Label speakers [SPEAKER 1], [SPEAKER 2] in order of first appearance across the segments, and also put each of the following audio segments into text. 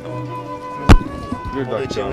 [SPEAKER 1] Bir dakika.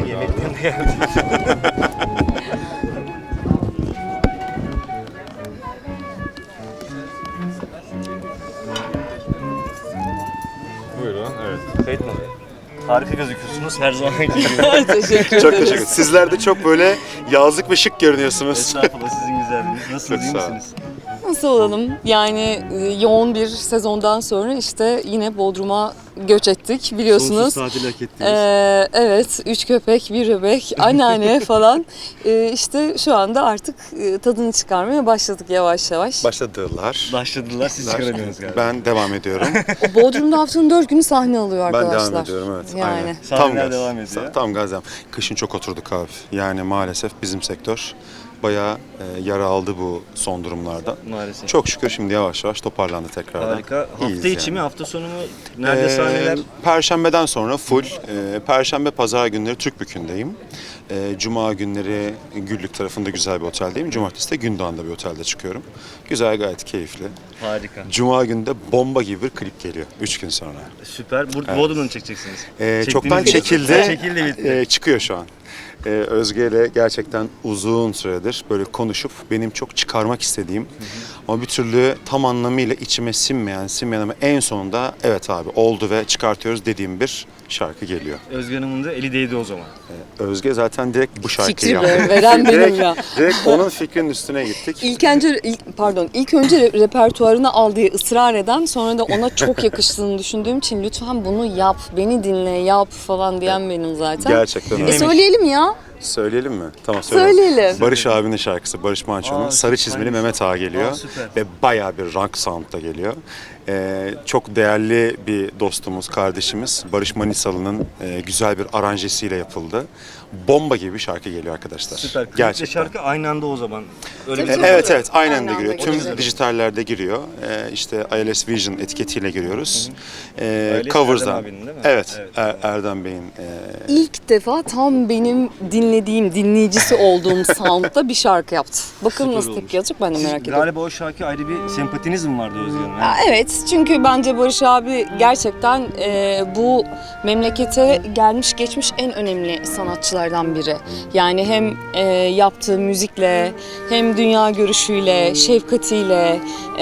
[SPEAKER 1] Buyurun, evet.
[SPEAKER 2] Kayıt mı? Harika gözüküyorsunuz her zaman gibi.
[SPEAKER 3] Teşekkür
[SPEAKER 1] Çok
[SPEAKER 3] ederim.
[SPEAKER 1] teşekkür ederim. Sizler de çok böyle yazlık ve şık görünüyorsunuz.
[SPEAKER 2] Estağfurullah, sizin güzelliğiniz. Nasılsınız, iyi
[SPEAKER 1] Çok sağ olun.
[SPEAKER 2] misiniz?
[SPEAKER 3] Nasıl olalım? Yani yoğun bir sezondan sonra işte yine Bodrum'a göç ettik biliyorsunuz.
[SPEAKER 2] Sonsuz tatil hak ettiniz.
[SPEAKER 3] Evet, 3 köpek, bir bebek, anneanne falan. İşte şu anda artık tadını çıkarmaya başladık yavaş yavaş.
[SPEAKER 1] Başladılar.
[SPEAKER 2] Başladılar, siz çıkaramıyorsunuz galiba.
[SPEAKER 1] Ben devam ediyorum.
[SPEAKER 3] O Bodrum'da haftanın 4 günü sahne alıyor
[SPEAKER 1] Ben
[SPEAKER 3] arkadaşlar.
[SPEAKER 1] devam ediyorum, evet.
[SPEAKER 3] Yani.
[SPEAKER 1] Aynen.
[SPEAKER 2] Sahneler devam ediyor.
[SPEAKER 1] Tam gaz devam. Kışın çok oturduk abi. Yani maalesef bizim sektör bayağı yara aldı bu son durumlarda.
[SPEAKER 2] Maalesef.
[SPEAKER 1] Çok şükür şimdi yavaş yavaş toparlandı tekrardan.
[SPEAKER 2] Harika.
[SPEAKER 1] İyiyiz
[SPEAKER 2] Hafta içi
[SPEAKER 1] yani.
[SPEAKER 2] mi, hafta sonu mu? Nerede sahneler?
[SPEAKER 1] Perşembeden sonra full. Perşembe, pazar günleri Türkbükü'ndeyim. Cuma günleri Güllük tarafında güzel bir oteldeyim. Cumartesi de Gündoğan'da bir otelde çıkıyorum. Güzel, gayet keyifli.
[SPEAKER 2] Harika.
[SPEAKER 1] Cuma günü de bomba gibi bir klip geliyor 3 gün sonra.
[SPEAKER 2] Süper. Bodrum'da mı çekeceksiniz?
[SPEAKER 1] Çoktan
[SPEAKER 2] Çektiğiniz
[SPEAKER 1] çekildi.
[SPEAKER 2] Çekildi, bitti.
[SPEAKER 1] Çıkıyor şu an. Özge ile gerçekten uzun süredir böyle konuşup benim çok çıkarmak istediğim ama bir türlü tam anlamıyla içime sinmeyen ama en sonunda evet abi oldu ve çıkartıyoruz dediğim bir şarkı geliyor.
[SPEAKER 2] Özge Hanım'ın da eli değdi o zaman.
[SPEAKER 1] Özge zaten direkt bu şarkıyı
[SPEAKER 3] Fikri
[SPEAKER 1] yaptı.
[SPEAKER 3] veren benim ya.
[SPEAKER 1] Direkt onun fikrinin üstüne gittik.
[SPEAKER 3] İlk önce repertuarına aldığı ısrar eden, sonra da ona çok yakıştığını düşündüğüm için lütfen bunu yap, beni dinle, yap falan diyen benim zaten.
[SPEAKER 1] Gerçekten öyle.
[SPEAKER 3] Söyleyelim ya.
[SPEAKER 1] Söyleyelim mi? Tamam söyleyelim.
[SPEAKER 3] Söyleyelim.
[SPEAKER 1] Barış abinin şarkısı, Barış Manço'nun
[SPEAKER 2] Aa,
[SPEAKER 1] Sarı
[SPEAKER 2] çok
[SPEAKER 1] Çizmeli
[SPEAKER 2] güzelmiş.
[SPEAKER 1] Mehmet Ağa geliyor.
[SPEAKER 2] Aa, süper.
[SPEAKER 1] Ve bayağı bir rock sound'da geliyor. Çok değerli bir dostumuz, kardeşimiz Barış Manisalı'nın güzel bir aranjesiyle yapıldı. Bomba gibi bir şarkı geliyor arkadaşlar.
[SPEAKER 2] Süper. Kliple
[SPEAKER 1] Gerçekten.
[SPEAKER 2] şarkı aynı anda o zaman. Öyle bir
[SPEAKER 3] Tabii,
[SPEAKER 2] şey.
[SPEAKER 1] Evet evet aynen de
[SPEAKER 3] Aynen
[SPEAKER 1] giriyor.
[SPEAKER 3] de
[SPEAKER 1] Tüm
[SPEAKER 3] giriyor.
[SPEAKER 1] dijitallerde giriyor. İşte ILS Vision etiketiyle giriyoruz.
[SPEAKER 2] ILS
[SPEAKER 1] Covers'dan.
[SPEAKER 2] Erdem abinin değil mi?
[SPEAKER 1] Evet,
[SPEAKER 2] Evet.
[SPEAKER 1] Erdem Bey'in.
[SPEAKER 3] İlk defa tam benim dinleyicisi olduğum sound'da bir şarkı yaptı. Bakalım
[SPEAKER 2] Süper
[SPEAKER 3] nasıl
[SPEAKER 2] olmuş.
[SPEAKER 3] tepki alacak, ben de
[SPEAKER 2] Siz
[SPEAKER 3] merak ediyorum.
[SPEAKER 2] galiba o şarkı ayrı bir sempatiniz mi vardı Özge Hanım?
[SPEAKER 3] Ya evet, çünkü bence Barış abi gerçekten bu memlekete gelmiş geçmiş en önemli sanatçılardan biri. Yani hem yaptığı müzikle, hem dünya görüşüyle, şefkatiyle,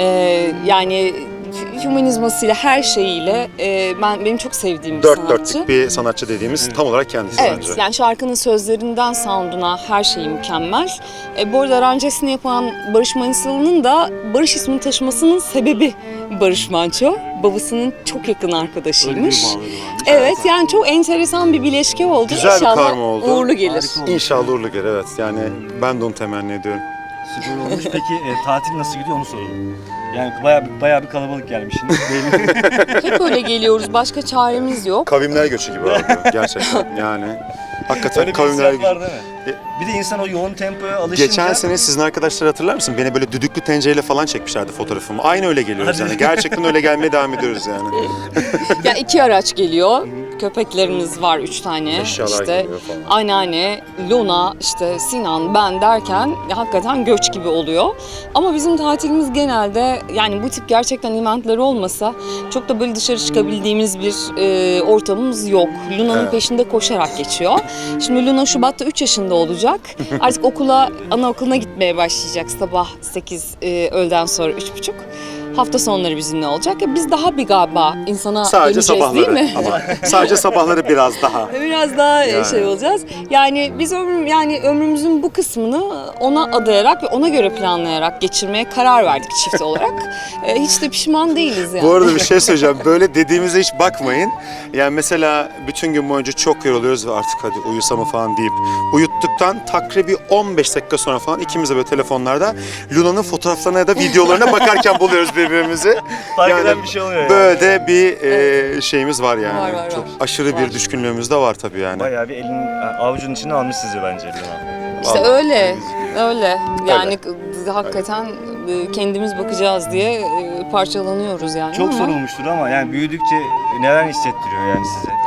[SPEAKER 3] yani hümanizmasıyla, her şeyiyle benim çok sevdiğim bir
[SPEAKER 1] Dört
[SPEAKER 3] sanatçı.
[SPEAKER 1] dörtlük bir sanatçı dediğimiz tam olarak kendisi
[SPEAKER 3] Evet,
[SPEAKER 1] bence.
[SPEAKER 3] yani şarkının sözlerinden sound'una her şeyi mükemmel. Bu arada aranjesini yapan Barış Manisalı'nın da Barış ismini taşımasının sebebi Barış Manço. Babasının çok yakın arkadaşıymış. Evet, yani çok enteresan bir bileşke oldu.
[SPEAKER 1] Güzel bir
[SPEAKER 3] İnşallah
[SPEAKER 1] karma oldu.
[SPEAKER 3] uğurlu gelir.
[SPEAKER 2] Harika oldu.
[SPEAKER 1] İnşallah uğurlu gelir, evet. Yani ben de onu temenni ediyorum.
[SPEAKER 2] Süper olmuş. Peki tatil nasıl gidiyor onu soralım. Yani bayağı bir kalabalık gelmişsiniz.
[SPEAKER 3] Hep öyle geliyoruz. Başka çaremiz yok.
[SPEAKER 1] Kavimler göçü gibi abi gerçekten yani. Hakikaten
[SPEAKER 2] Öyle bir
[SPEAKER 1] kavimler
[SPEAKER 2] hissiyat
[SPEAKER 1] göçü.
[SPEAKER 2] var değil mi? Bir de insan o yoğun tempoya alışınca...
[SPEAKER 1] Geçen sene sizin arkadaşlar hatırlar mısın? Beni böyle düdüklü tencereyle falan çekmişlerdi fotoğrafımı. Aynı öyle geliyoruz
[SPEAKER 2] Hadi.
[SPEAKER 1] yani. Gerçekten öyle gelmeye devam ediyoruz yani.
[SPEAKER 3] Ya 2 araç geliyor. Köpeklerimiz var 3 tane.
[SPEAKER 1] Eşyalar
[SPEAKER 3] işte
[SPEAKER 1] geliyor falan.
[SPEAKER 3] anneanne, Luna, işte Sinan, ben derken hakikaten göç gibi oluyor. Ama bizim tatilimiz genelde, yani bu tip gerçekten eventler olmasa çok da böyle dışarı çıkabildiğimiz bir ortamımız yok. Luna'nın
[SPEAKER 1] Evet.
[SPEAKER 3] peşinde koşarak geçiyor. Şimdi Luna Şubat'ta 3 yaşında olacak. Artık anaokuluna gitmeye başlayacak sabah 8, öğleden sonra 3.30. Hafta sonları bizimle olacak. Biz daha bir galiba insana
[SPEAKER 1] Sadece
[SPEAKER 3] döneceğiz değil
[SPEAKER 1] sabahları
[SPEAKER 3] mi?
[SPEAKER 1] ama sadece sabahları biraz daha.
[SPEAKER 3] Biraz daha
[SPEAKER 1] Yani.
[SPEAKER 3] şey olacağız. Yani biz ömrümüzün bu kısmını ona adayarak ve ona göre planlayarak geçirmeye karar verdik çift olarak. Hiç de pişman değiliz yani.
[SPEAKER 1] Bu arada bir şey söyleyeceğim. Böyle dediğimize hiç bakmayın. Yani mesela bütün gün boyunca çok yoruluyoruz ve artık hadi uyusam mı falan deyip uyuttuktan takribi 15 dakika sonra falan ikimiz de böyle telefonlarda Luna'nın fotoğraflarına ya da videolarına bakarken buluyoruz birbirimizi.
[SPEAKER 2] Fark eden bir şey oluyor yani.
[SPEAKER 1] Böyle de bir şeyimiz var yani.
[SPEAKER 3] Var.
[SPEAKER 1] Çok aşırı
[SPEAKER 3] Var.
[SPEAKER 1] bir düşkünlüğümüz de var tabii yani.
[SPEAKER 2] Bayağı bir avucunun içine almış sizi bence Luna.
[SPEAKER 3] İşte
[SPEAKER 1] Vallahi.
[SPEAKER 3] öyle. Yani hakikaten kendimiz bakacağız diye parçalanıyoruz yani.
[SPEAKER 2] Çok
[SPEAKER 3] ama...
[SPEAKER 2] sorulmuştur ama yani büyüdükçe neler hissettiriyor yani size?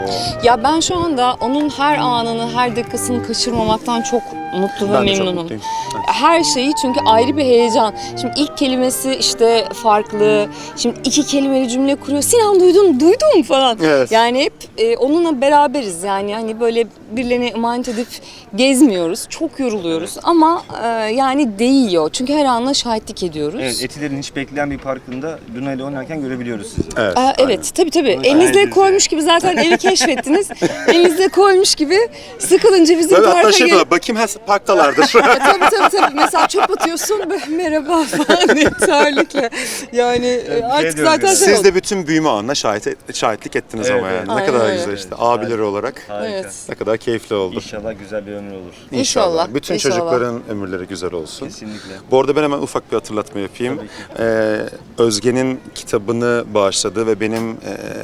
[SPEAKER 3] Ya ben şu anda onun her anını, her dakikasını kaçırmamaktan çok mutlu ve
[SPEAKER 1] Ben de çok
[SPEAKER 3] memnunum.
[SPEAKER 1] mutluyum.
[SPEAKER 3] Her şeyi, çünkü ayrı bir heyecan. Şimdi ilk kelimesi işte farklı. Şimdi 2 kelimeli cümle kuruyor. Sinan duydum falan.
[SPEAKER 1] Evet.
[SPEAKER 3] Yani hep onunla beraberiz. Yani hani böyle birilerine emanet edip gezmiyoruz. Çok yoruluyoruz ama yani değiyor. Çünkü her anla şahitlik ediyoruz.
[SPEAKER 2] Evet, Etiler'in hiç bekleyen bir parkında Luna ile oynarken görebiliyoruz sizi.
[SPEAKER 1] Evet.
[SPEAKER 3] Evet, tabii.
[SPEAKER 2] Onu
[SPEAKER 3] Elinizle
[SPEAKER 2] şahidiz
[SPEAKER 3] koymuş gibi zaten evi keşfettiniz. Elinizle koymuş gibi sıkılınca bizim
[SPEAKER 1] Tabii,
[SPEAKER 3] parka
[SPEAKER 1] hatta şey
[SPEAKER 3] gelip...
[SPEAKER 1] diyorlar, bakayım her parktalardır.
[SPEAKER 3] Tabii. Mesela çöp atıyorsun, böyle merhaba falan diye terlikle. Yani artık
[SPEAKER 2] diyorum
[SPEAKER 3] zaten
[SPEAKER 2] yani.
[SPEAKER 3] şey
[SPEAKER 1] Siz
[SPEAKER 3] oldu.
[SPEAKER 1] de bütün büyüme anına şahitlik ettiniz
[SPEAKER 2] Evet,
[SPEAKER 1] ama
[SPEAKER 2] evet.
[SPEAKER 1] yani. Ne
[SPEAKER 3] Aynen
[SPEAKER 1] kadar
[SPEAKER 3] öyle.
[SPEAKER 1] güzel işte.
[SPEAKER 2] Evet.
[SPEAKER 1] Abileri olarak.
[SPEAKER 2] Harika.
[SPEAKER 3] Evet.
[SPEAKER 1] Ne kadar keyifli oldu.
[SPEAKER 2] İnşallah güzel bir ömür olur.
[SPEAKER 3] İnşallah,
[SPEAKER 1] Bütün
[SPEAKER 3] inşallah.
[SPEAKER 1] çocukların ömürleri güzel olsun.
[SPEAKER 2] Kesinlikle.
[SPEAKER 1] Bu arada ben hemen ufak bir hatırlatma yapayım. Özge'nin kitabını bağışladı ve benim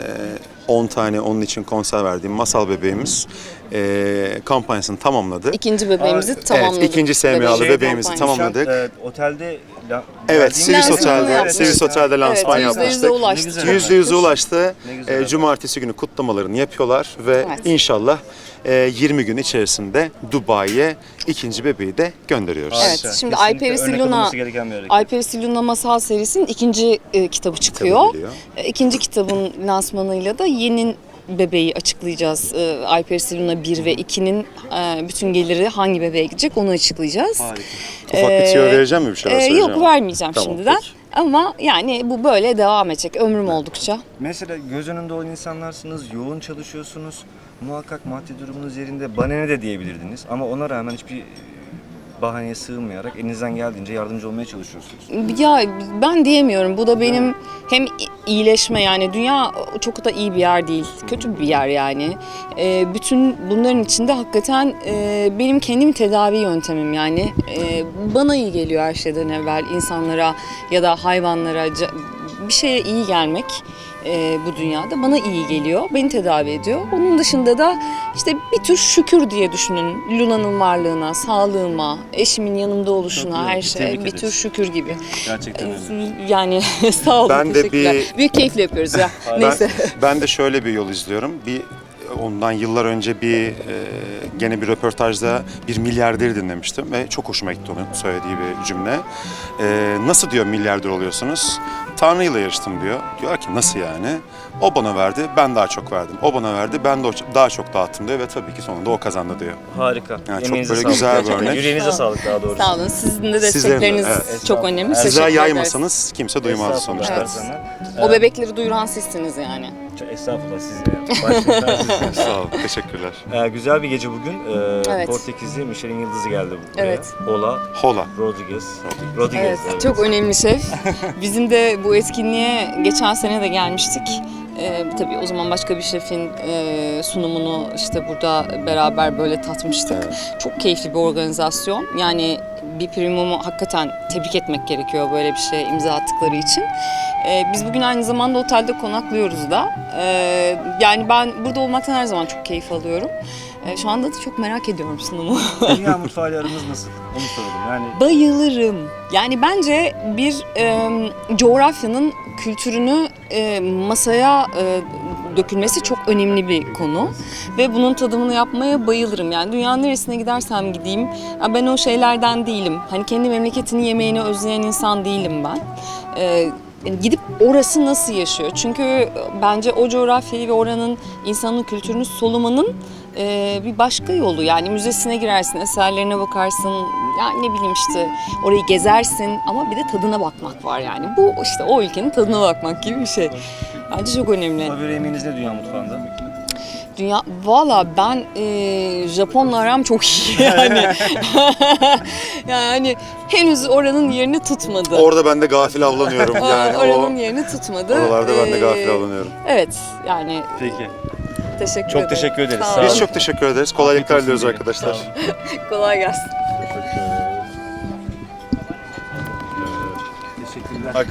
[SPEAKER 1] 10 tane onun için konser verdiğim Masal Bebeğimiz kampanyasını tamamladı.
[SPEAKER 3] İkinci bebeğimizi
[SPEAKER 2] Evet,
[SPEAKER 3] tamamladık.
[SPEAKER 1] ikinci SMA'lı
[SPEAKER 3] Bebek
[SPEAKER 1] bebeğimizi
[SPEAKER 3] kampanyası.
[SPEAKER 1] tamamladık.
[SPEAKER 2] Otelde
[SPEAKER 1] Evet, Swiss
[SPEAKER 3] Lansmanı
[SPEAKER 1] Otel'de,
[SPEAKER 3] yapmıştık.
[SPEAKER 1] Swiss Otel'de lansman
[SPEAKER 3] Evet,
[SPEAKER 1] yapmıştık.
[SPEAKER 3] %100'e ulaştı.
[SPEAKER 2] Ne güzel.
[SPEAKER 1] %100'e ulaştı.
[SPEAKER 2] Ne güzel.
[SPEAKER 1] Cumartesi günü kutlamalarını yapıyorlar ve
[SPEAKER 3] Evet.
[SPEAKER 1] inşallah 20 gün içerisinde Dubai'ye ikinci bebeği de gönderiyoruz.
[SPEAKER 3] Evet,
[SPEAKER 2] Harika.
[SPEAKER 3] şimdi
[SPEAKER 2] Kesinlikle
[SPEAKER 3] Alper
[SPEAKER 2] örnek
[SPEAKER 3] Siluna-
[SPEAKER 2] alınması gereken bir hareket.
[SPEAKER 3] Alper Siluna Masal serisinin ikinci kitabı çıkıyor.
[SPEAKER 1] Kitabı geliyor.
[SPEAKER 3] İkinci kitabın lansmanıyla da yeni bebeği açıklayacağız. Alper Siluna 1 ve 2'nin bütün geliri hangi bebeğe gidecek onu açıklayacağız.
[SPEAKER 2] Harika.
[SPEAKER 1] Ufak bir tüyo vereceğim mi, bir şeyler söyleyeceğim?
[SPEAKER 3] Yok, vermeyeceğim
[SPEAKER 1] Tamam,
[SPEAKER 3] şimdiden.
[SPEAKER 1] peki.
[SPEAKER 3] Ama yani bu böyle devam edecek ömrüm oldukça.
[SPEAKER 2] Mesela göz önünde olan insanlarsınız, yoğun çalışıyorsunuz. Muhakkak maddi durumunuz yerinde bana ne de diyebilirdiniz. Ama ona rağmen hiçbir bahaneye sığınmayarak elinizden geldiğince yardımcı olmaya çalışıyorsunuz.
[SPEAKER 3] Ya ben diyemiyorum. Bu da benim hem iyileşme, yani dünya çok da iyi bir yer değil. Kötü bir yer yani. Bütün bunların içinde hakikaten benim kendim tedavi yöntemim yani. Bana iyi geliyor her şeyden evvel, insanlara ya da hayvanlara bir şeye iyi gelmek. Bu dünyada bana iyi geliyor, beni tedavi ediyor. Onun dışında da işte bir tür şükür diye düşünün. Luna'nın varlığına, sağlığıma, eşimin yanımda oluşuna,
[SPEAKER 2] Çok iyi.
[SPEAKER 3] her şeye
[SPEAKER 2] Tebrik
[SPEAKER 3] bir
[SPEAKER 2] ederiz.
[SPEAKER 3] tür şükür gibi.
[SPEAKER 2] Gerçekten öyle.
[SPEAKER 3] Yani sağ olun,
[SPEAKER 1] Ben de
[SPEAKER 3] teşekkürler. Büyük keyifle yapıyoruz ya. Neyse.
[SPEAKER 1] Ben de şöyle bir yol izliyorum. Ondan yıllar önce gene bir röportajda bir milyarderi dinlemiştim ve çok hoşuma gitti onun söylediği bir cümle. Nasıl diyor milyarder oluyorsunuz? Tanrı'yla yarıştım diyor. Diyor ki nasıl yani? O bana verdi, ben daha çok verdim. O bana verdi, ben de daha çok dağıttım diyor ve tabii ki sonunda o kazandı diyor.
[SPEAKER 2] Harika.
[SPEAKER 1] Yani çok
[SPEAKER 2] Emeğinize
[SPEAKER 1] böyle
[SPEAKER 2] sağlık
[SPEAKER 1] güzel bir
[SPEAKER 2] gerçekten.
[SPEAKER 1] örnek.
[SPEAKER 2] Yüreğinize sağlık daha doğrusu.
[SPEAKER 3] Sağ olun. Sizin de
[SPEAKER 1] Sizlerin de,
[SPEAKER 3] destekleriniz
[SPEAKER 1] evet.
[SPEAKER 3] çok önemli.
[SPEAKER 1] Sizler
[SPEAKER 3] Teşekkür ederiz.
[SPEAKER 1] yaymasanız kimse duymaz
[SPEAKER 2] Estağfurullah,
[SPEAKER 1] sonuçta.
[SPEAKER 2] her zaman.
[SPEAKER 3] O bebekleri duyuran sizsiniz yani.
[SPEAKER 2] Estağfurullah siz ya. Başlayın.
[SPEAKER 1] Sağ olun, teşekkürler.
[SPEAKER 2] Güzel bir gece bugün.
[SPEAKER 3] Evet.
[SPEAKER 2] Portekizli Michelin Yıldızı geldi buraya.
[SPEAKER 3] Evet.
[SPEAKER 2] Ola
[SPEAKER 1] Hola.
[SPEAKER 2] Rodriguez.
[SPEAKER 3] Evet, çok önemli şef. Bizim de bu etkinliğe geçen sene de gelmiştik. Tabii o zaman başka bir şefin sunumunu işte burada beraber böyle tatmıştık. Çok keyifli bir organizasyon. Yani bir Primum'u hakikaten tebrik etmek gerekiyor böyle bir şeye imza attıkları için. Biz bugün aynı zamanda otelde konaklıyoruz da. Yani ben burada olmaktan her zaman çok keyif alıyorum. Şu anda da çok merak ediyorum sunumu.
[SPEAKER 2] Dünya mutfağıyla aranız nasıl? Onu soralım. Yani
[SPEAKER 3] Bayılırım. Yani bence bir coğrafyanın kültürünü masaya dökülmesi çok önemli bir konu. Ve bunun tadımını yapmaya bayılırım. Yani dünyanın neresine gidersem gideyim, ben o şeylerden değilim. Hani kendi memleketinin yemeğini özleyen insan değilim ben. Gidip orası nasıl yaşıyor? Çünkü bence o coğrafyayı ve oranın insanın kültürünü solumanın bir başka yolu. Yani müzesine girersin, eserlerine bakarsın, yani ne bileyim işte orayı gezersin ama bir de tadına bakmak var yani. Bu işte o ülkenin tadına bakmak gibi bir şey. Bence çok önemli.
[SPEAKER 2] favori yemeğiniz ne dünya mutfağında?
[SPEAKER 3] Valla ben Japonla aram çok iyi yani. Yani henüz oranın yerini tutmadı.
[SPEAKER 1] Orada ben de gafil avlanıyorum yani.
[SPEAKER 3] Oranın yerini tutmadı.
[SPEAKER 1] Oralarda ben de gafil avlanıyorum.
[SPEAKER 3] Evet yani
[SPEAKER 2] Peki.
[SPEAKER 3] teşekkür
[SPEAKER 2] Çok
[SPEAKER 3] ederim.
[SPEAKER 2] teşekkür ederiz.
[SPEAKER 3] Sağ
[SPEAKER 2] Sağ
[SPEAKER 3] olun.
[SPEAKER 1] Biz çok teşekkür ederiz. Kolaylıklar
[SPEAKER 2] Afiyet olsun
[SPEAKER 1] diliyoruz
[SPEAKER 2] diyelim.
[SPEAKER 1] arkadaşlar.
[SPEAKER 2] Sağ olun.
[SPEAKER 3] Kolay gelsin.
[SPEAKER 2] Teşekkürler.